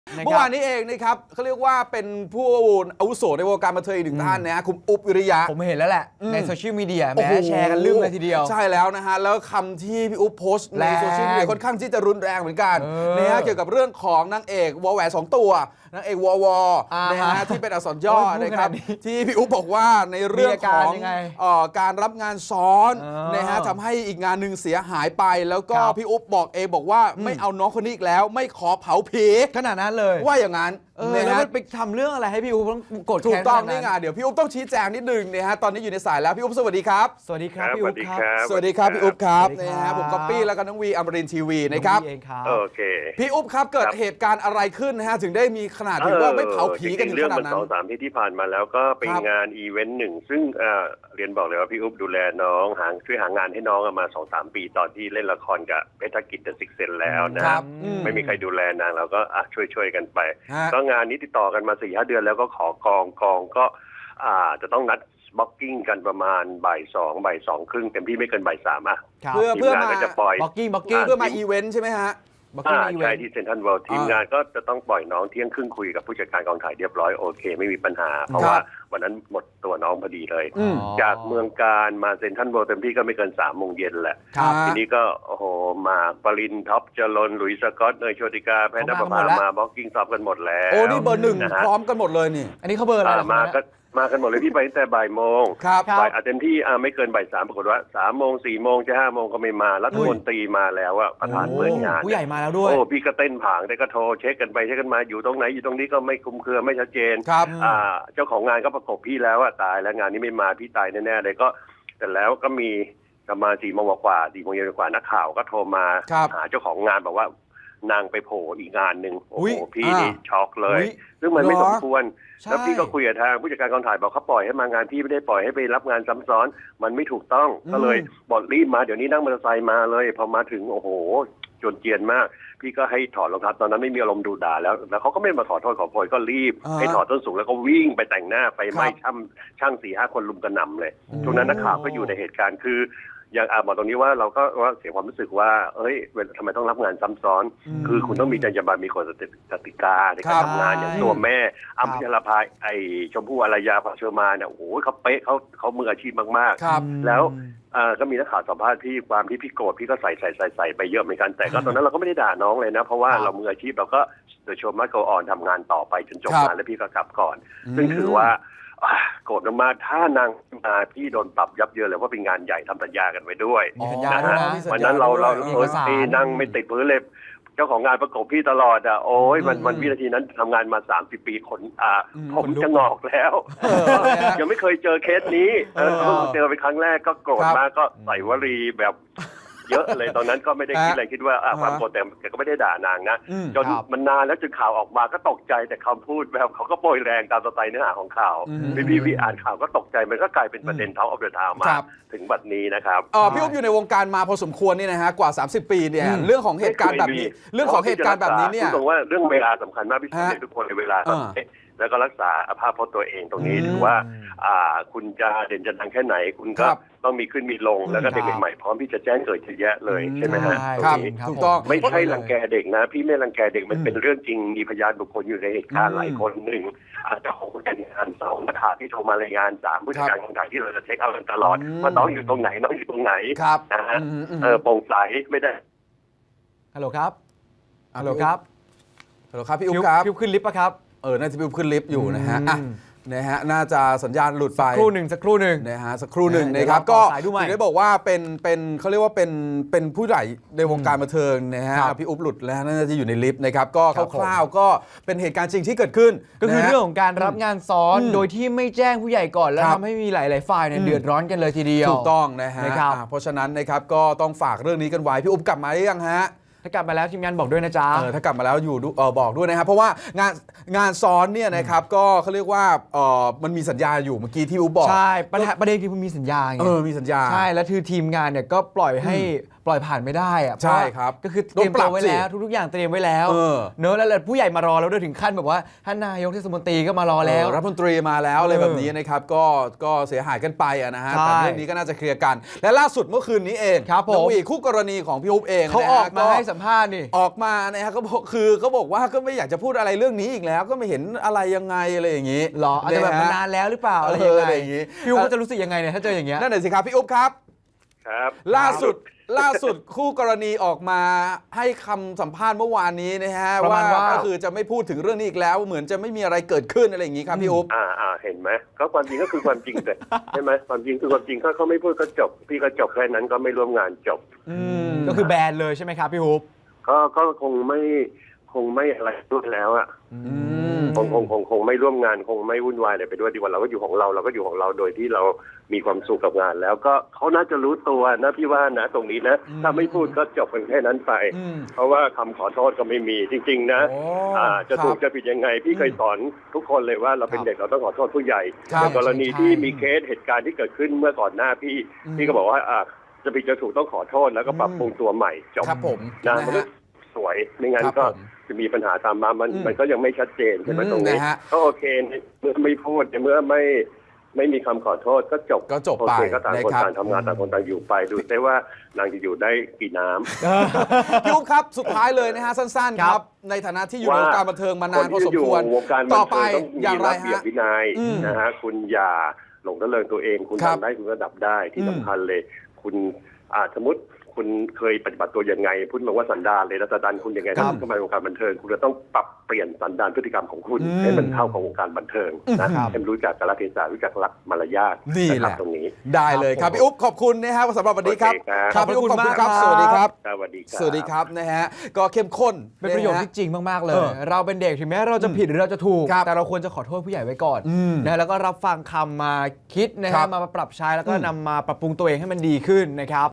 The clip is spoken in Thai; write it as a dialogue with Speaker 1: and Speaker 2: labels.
Speaker 1: เมื่อวานนี้เองนะครับเขาเรียกว่าเป็นผู้อาวุโสในวงการบันเทิงอีกหนึ่งท่านนะคุณอุ๊บวิริยะ
Speaker 2: ผมเห็นแล้วแหละในโซเชียลมีเดียแม้แชร์กันลืมเลยทีเดียว
Speaker 1: ใช่แล้วนะฮะแล้วคำที่พี่อุ๊บโพสต์ในโซเชียลมีเดียค่อนข้างที่จะรุนแรงเหมือนกันนะฮะเกี่ยวกับเรื่องของนางเอกวอแหวน2 ตัวนางเอกวนะฮะที่เป็นอักษรย่อนะครับที่พี่อุ๊บบอกว่าในเรื่องของการรับงานซ้อนนะฮะทำให้อีกงานหนึ่งเสียหายไปแล้วก็พี่อุ๊บบอกเองบอกว่าไม่เอาน้องคนนี้อีกแล้วไม่ขอเผาผี
Speaker 2: ขนาดนั้นเลย
Speaker 1: ว่าอย่างนั้น
Speaker 2: แล้วมันไปทำเรื่องอะไรให้พี่อุ๊บต้องโกรธแค้น
Speaker 1: ถูกต้องนี่ไงเดี๋ยวพี่อุ๊บต้องชี้แจงนิดนึงนะฮะตอนนี้อยู่ในสายแล้วพี่อุ๊บสวัสดีครับ
Speaker 2: สวัสดีครับพี่อุ๊บครับ
Speaker 1: สวัสดีครับพี่อุ๊บครับนะฮะผมก๊อปปี้แล้วก็น้องวีอมรินทร์ทีวีนะครับ
Speaker 3: โอเค
Speaker 1: พี่อุ๊บครับเกิดเหตุการณ์อะไรขึ้นนะฮะถึงได้มีขนาดถึงว่าไม่เผาผีกันถึงขนาดนั้น
Speaker 3: เรื่องมัน2-3ที่ผ่านมาแล้วก็เป็นงานอีเวนต์หนึ่งซึ่งเรียนบอกเลยว่าพี่อุ๊บดูแลน้องช่วยหางานให้น้องมา 2-3 ปีตอนที่เล่นละครกับเพชรกิจเดอะซิกเซนแล้วนะไม่มีใครดูแลนางเราก็ช่วยกันไปก็งานนี้ติดต่อกันมา 4-5 เดือนแล้วก็ขอกองก็จะต้องนัดบล็อกกิ้งกันประมาณบ่าย2 ครึ่งเต็มที่ไม่เกินบ่าย 3
Speaker 1: เพื่อมา
Speaker 3: ก็จะปล่อย
Speaker 2: บล็อกกิ้ง
Speaker 1: เพื่อมาอีเวนต์ใช่ไหมฮะ
Speaker 3: ใช่ที่เซ็นทรัลเวิลด์ทีมงานก็จะต้องปล่อยน้องเที่ยงครึ่งคุยกับผู้จัดการกองถ่ายเรียบร้อยโอเคไม่มีปัญหาเพราะว่าวันนั้นหมดตัวน้องพอดีเลยจากเมืองการมาเซ็นทรัลเวิลด์เต็มที่ก็ไม่เกิน3 โมงเย็นแหละทีนี้ก็โอ้โหมาปรินท็อปจรนหลุยส์สกอตเนยโชติกาแพทย์นภพามาบล็อกกิ้งซ้อมกันหมดแล้ว
Speaker 1: โอ้นี่เบอร์ 1พร้อมกันหมดเลยนี่
Speaker 2: อันนี้เขาเบอร์อะไร
Speaker 3: มากันหมดเลยพี่ไปตั้งแต่บ่ายโมงบ่ายเต็มที่ไม่เกินบ่าย 3ปรากฏว่า3 โมง 4 โมงจะ 5 โมงก็ไม่มารัฐมนตรีมาแล้วประธานเปิดงาน
Speaker 2: ผู้ใหญ่มาแล้วด้วย
Speaker 3: โอ้พี่ก็เต้นผางได้ก็โทรเช็คกันไปเช็คกันมาอยู่ตรงไหนอยู่ตรงนี้ก็ไม่คลุมเครือไม่ชัดเจนเจ้าของงานก็ประกบพี่แล้วตายแล้วงานนี้ไม่มาพี่ตายแน่ๆเลยก็แต่แล้วก็มีประมาณ4 โมงกว่า4 โมงเย็นกว่านักข่าวก็โทรมาหาเจ้าของงานบอกว่านางไปโผล่อีกงานหนึ่งโอ้โหพี่นี่ช็อกเลยซึ่งมันไม่สมควรแล้วพี่ก็คุยกับทางผู้จัดการกองถ่ายบอกเขาปล่อยให้มางานพี่ไม่ได้ปล่อยให้ไปรับงานซ้ำซ้อนมันไม่ถูกต้องก็เลยบอกรีบมาเดี๋ยวนี้นั่งมอเตอร์ไซค์มาเลยพอมาถึงโอ้โหจนเจียนมากพี่ก็ให้ถอดรองเท้าตอนนั้นไม่มีอารมณ์ดูด่าแล้วเขาก็ไม่มาขอโทษขอโพยก็รีบให้ถอดส้นสูงแล้วก็วิ่งไปแต่งหน้าไปไล่ช่าง 4-5 คนลุมกระหน่ำเลยช่วงนั้นนักข่าวก็อยู่ในเหตุการณ์คืออย่างบอกตรงนี้ว่าเราก็ว่าเสียความรู้สึกว่าทำไมต้องรับงานซ้ำซ้อนคือคุณต้องมีจรรยาบรรณมีกฎกติกาในการทำงานอย่างตัวแม่อัมพลภาชมพู่อารยาภาเชอร์มาเนี่ยโอ้โหเขาเป๊ะเขามืออาชีพมากๆแล้วก็มีนักข่าวสัมภาษณ์พี่ความที่พี่โกรธพี่ก็ใส่ไปเยอะเหมือนกันแต่ก็ตอนนั้นเราก็ไม่ได้ด่าน้องเลยนะเพราะว่าเรามืออาชีพเราก็โดยชมมาโกออนทำงานต่อไปจนจบงานแล้วพี่ก็กลับก่อนซึ่งถือว่าโกรธมากถ้านางมาพี่โดนปรับยับเยินเลยว่าเป็นงานใหญ่ทำสัญญากันไว้ด้วยนะฮะวันนั้นเรานั่งไม่ติดพื้นเลยเจ้าของงานประกบพี่ตลอดโอ้ยมันวินาทีนั้นทำงานมา30 ปีคนผมจะงอกแล้วยังไม่เคยเจอเคสนี้เจอเป็นครั้งแรกก็โกรธมากก็ใส่วลีแบบเยอะเลยตอนนั้นก็ไม่ได้คิดอะไรคิดว่าความโกรธแต่ก็ไม่ได้ด่านางนะจนมันนานแล้วจนข่าวออกมาก็ตกใจแต่คำพูดแบบเขาก็โปรยแรงตามสไตล์เนื้อหาของข่าวพี่อ่านข่าวก็ตกใจมันก็กลายเป็นประเด็นTalk of the Townมาถึงบัดนี้นะครับ
Speaker 1: พี่อุ๊บอยู่ในวงการมาพอสมควรนี่นะฮะกว่า30 ปีเนี่ยเรื่องของเหตุการณ์แบบนี้เนี่ย
Speaker 3: ตรงว่าเรื่องเวลาสำคัญมากพี่ทุกคนในเวลาแล้วก็รักษาภาพพจน์ตัวเองตรงนี้ถือว่าคุณจะเด่นจะดังแค่ไหนคุณก็ต้องมีขึ้นมีลงแล้วก็เด็กใหม่พร้อมที่จะแจ้งเกิดเยอะแยะเลยใช่ไหมฮะ
Speaker 1: ถูกต้อง
Speaker 3: ไม่ใช่รังแกเด็กนะพี่ไม่รังแกเด็กมันเป็นเรื่องจริงมีพยานบุคคลอยู่ในเหตุการณ์หลายคน1อาจจะของผู้จัดการ2นักข่าวที่โทรมารายงาน3ผู้จัดการกองถ่ายที่เราจะเช็คเอากันตลอดว่าน้องอยู่ตรงไหนน้องอยู่ตรงไหนนะฮะโปร่งใสไม่ได้
Speaker 2: ฮัลโหลครับ
Speaker 1: พี่อุ๊บครับ
Speaker 2: พี่ขึ้นลิฟต์ป่ะครับ
Speaker 1: น่าจะขึ้นลิฟต์อยู่นะฮะน่าจะสัญญาณหลุดไป
Speaker 2: สักครู่หนึ่ง
Speaker 1: นะฮะสักครู่หนึ่งนะครับก็ถึงได้บอกว่าเป็นเขาเรียกว่าเป็นผู้ใหญ่ในวงการบันเทิงนะฮะพี่อุ๊บหลุดแล้วน่าจะอยู่ในลิฟต์นะครับก็คร่าวๆก็เป็นเหตุการณ์จริงที่เกิดขึ้น
Speaker 2: ก็คือเรื่องของการรับงานซ้อนโดยที่ไม่แจ้งผู้ใหญ่ก่อนแล้วทำให้มีหลายๆฝ่ายเนี่ยเดือดร้อนกันเลยทีเดียว
Speaker 1: ถูกต้องนะฮะเพราะฉะนั้นนะครับก็ต้องฝากเรื่องนี้กันไว้พี่อุ๊บกลับมาหรือยังฮะ
Speaker 2: ถ้ากลับมาแล้วทีมงานบอกด้วยนะจ๊ะ
Speaker 1: ถ้ากลับมาแล้วอยู่บอกด้วยนะครับเพราะว่างานซ้อนเนี่ยนะครับก็เขาเรียกว่ามันมีสัญญาอยู่เมื่อกี้ที่อุ๊บบอก
Speaker 2: ใช่ประเด็นคือมันมีสัญญาไง
Speaker 1: มีสัญญา
Speaker 2: ใช่แล้วคือทีมงานเนี่ยก็ปล่อยให้ปล่อยผ่านไม่ได้อะ
Speaker 1: ใช่ครับ
Speaker 2: ก็คือเตรียมตัวไว้แล้ว
Speaker 1: โดนปรับสิ
Speaker 2: ทุกๆอย่างเตรียมไว้แล้ว
Speaker 1: เออ
Speaker 2: เนอะแล้วผู้ใหญ่มารอแล้วด้วยถึงขั้นแบบว่าท่านนายกเทศมนตรีก็มารอแล้ว
Speaker 1: รัฐมนตรีมาแล้วอะไรแบบนี้นะครับก็เสียหายกันไปนะฮะ
Speaker 2: ใช่
Speaker 1: แต่เรื่องนี้ก็น่าจะเคลียร์กัน และล่าสุดเมื่อคืนนี้เอง
Speaker 2: ครับผม
Speaker 1: น้องวีคู่กรณีของพี่อุ๊บเอง
Speaker 2: เขา
Speaker 1: นะ
Speaker 2: อ
Speaker 1: ฮะ
Speaker 2: อกมาให้สัมภาษณ์นี่
Speaker 1: ออกมานะฮะเขาบอกว่าก็ไม่อยากจะพูดอะไรเรื่องนี้อีกแล้ว ก็ไม่เห็นอะไรยังไงอะไรอย่างนี้
Speaker 2: หรออาจจะแบบ
Speaker 1: ฮ
Speaker 2: มานานแล้วหรือเปล่าอะไร
Speaker 1: อะไรอย่างงี้
Speaker 2: พี่อุ๊บก็จะรู้สึกยังไงเนี่ยถ้าเจออย่างเงี้ย
Speaker 1: นั่นแหละสิครับพี่อุ๊บครับ
Speaker 3: ครับ
Speaker 1: ล่าสุดคู่กรณีออกมาให้คำสัมภาษณ์เมื่อวานนี้นะฮะ
Speaker 2: ประมาณว่า
Speaker 1: ก็คือจะไม่พูดถึงเรื่องนี้อีกแล้ว เหมือนจะไม่มีอะไรเกิดขึ้นอะไรอย่างนี้ครับพี่อุ๊บ
Speaker 3: เห็นไหมก็ความจริงก็คือความจริงแต่ ใช่ไหมความจริงคือความจริงเขาไม่พูดก็จบพี่ก็จบแค่นั้นก็ไม่ร่วมงานจบ
Speaker 2: ก็คือแบนเลยใช่ไหมครับพี่อุ๊บ
Speaker 3: ก็คงไม่อะไรด้วยแล้วอ่ะคงไม่ร่วมงานคงไม่วุ่นวายอะไรไปด้วยดีกว่าเราก็อยู่ของเราก็อยู่ของเราโดยที่เรามีความสุขกับงาน แล้วก็เขาน่าจะรู้ตัวนะพี่ว่านะตรงนี้นะถ้าไม่พูดก็จบกันแค่นั้นไปเพราะว่าคำขอโทษก็ไม่มีจริงๆนะจะถูกจะผิดยังไงพี่เคยสอนทุกคนเลยว่าเราเป็นเด็กเราต้องขอโทษผู้ใหญ่
Speaker 1: ครับ
Speaker 3: ในกรณีที่มีเคสเหตุการณ์ที่เกิดขึ้นเมื่อก่อนหน้าพี่ก็บอกว่าจะผิดจะถูกต้องขอโทษแล้วก็ปรับปรุงตัวใหม่จบ
Speaker 1: ครับผม
Speaker 3: นะ
Speaker 1: นะ
Speaker 3: มันก็
Speaker 1: ฮะ
Speaker 3: สวยไม่งั้น
Speaker 1: ครับ
Speaker 3: ก็
Speaker 1: ผม
Speaker 3: จะมีปัญหาตามมามันก็ยังไม่ชัดเจนใช่ไหมตรงนี้
Speaker 1: นะฮะ
Speaker 3: ก็โอเคเมื่อไม่พูดเมื่อไม่มีคำขอโทษก็จบ
Speaker 1: ก็จบ
Speaker 3: โอ
Speaker 1: ไป
Speaker 3: เคก็ต่างคน
Speaker 1: นะครับ
Speaker 3: ต่างทำงานต่างคนต่างอยู่ไปดูได้ว่านางจะอยู่ได้กี่น้ำ
Speaker 1: พี่อุ๊บครับสุดท้ายเลยนะฮะสั้นๆครับ ในฐานะที่อยู่ในวงการบันเทิงมานานพอสมควร
Speaker 3: นที่จะอยู่วงการบัน
Speaker 1: ต่อ
Speaker 3: เทิ
Speaker 1: ไป
Speaker 3: ต้องมี
Speaker 1: อย่างไร
Speaker 3: ระเบียบ
Speaker 1: ฮะ
Speaker 3: วินัย
Speaker 1: อืม
Speaker 3: นะฮะคุณอย่าหลงระเริงตัวเองคุณ
Speaker 1: ครับ
Speaker 3: ทำได้คุณระดับได้ที่
Speaker 1: อืม
Speaker 3: สำคัญเลย คุณสมมติคุณเคยปฏิบัติตัวยังไงพูดมาว่าสันดานเลยแล้วสันดานคุณยังไง
Speaker 1: ครับ
Speaker 3: ถ้าเข้ามาในวงการบันเทิงคุณจะต้องปรับเปลี่ยนสันดานพฤติกรรมของคุณ
Speaker 1: อืม
Speaker 3: ให้มันเข้ากับวงการบันเทิงนะครับ ให้มันรู้จักกาลเทศะรู้จักหลักมารยาท
Speaker 1: นี่
Speaker 3: นะ
Speaker 1: แห
Speaker 3: ครั
Speaker 1: ละ
Speaker 3: บตรงนี้
Speaker 1: ได้เลยครับพี่อุ๊บขอบคุณนะครับสำหรับวันนี้ครับ
Speaker 3: โอเคครับ
Speaker 1: ครับพี่อุ๊บขอบคุณครับ
Speaker 2: ขอบคุณมากครับ
Speaker 1: สวัสดีครับ
Speaker 3: สวัสดีครับ
Speaker 1: สวัสดีครับนะฮะก็เข้มข้น
Speaker 2: เป็นประโยชน์
Speaker 1: ฮ
Speaker 2: ที่จริงมากๆเล
Speaker 1: เอย อ
Speaker 2: เราเป็นเด็กถึงแม้เราจะผิดหรือเราจะถูก
Speaker 1: ครับ
Speaker 2: แต่เราควรจะขอโทษผู้ใหญ่ไว้ก่อน
Speaker 1: อืม
Speaker 2: นะแล้วก็รับฟังคำมาคิดนะ
Speaker 1: ครั
Speaker 2: ฮะ
Speaker 1: บ
Speaker 2: มาปรับใช้แล้วก็นำมาปรับปรุงตัวเองให้มันดีขึ้นนะครับ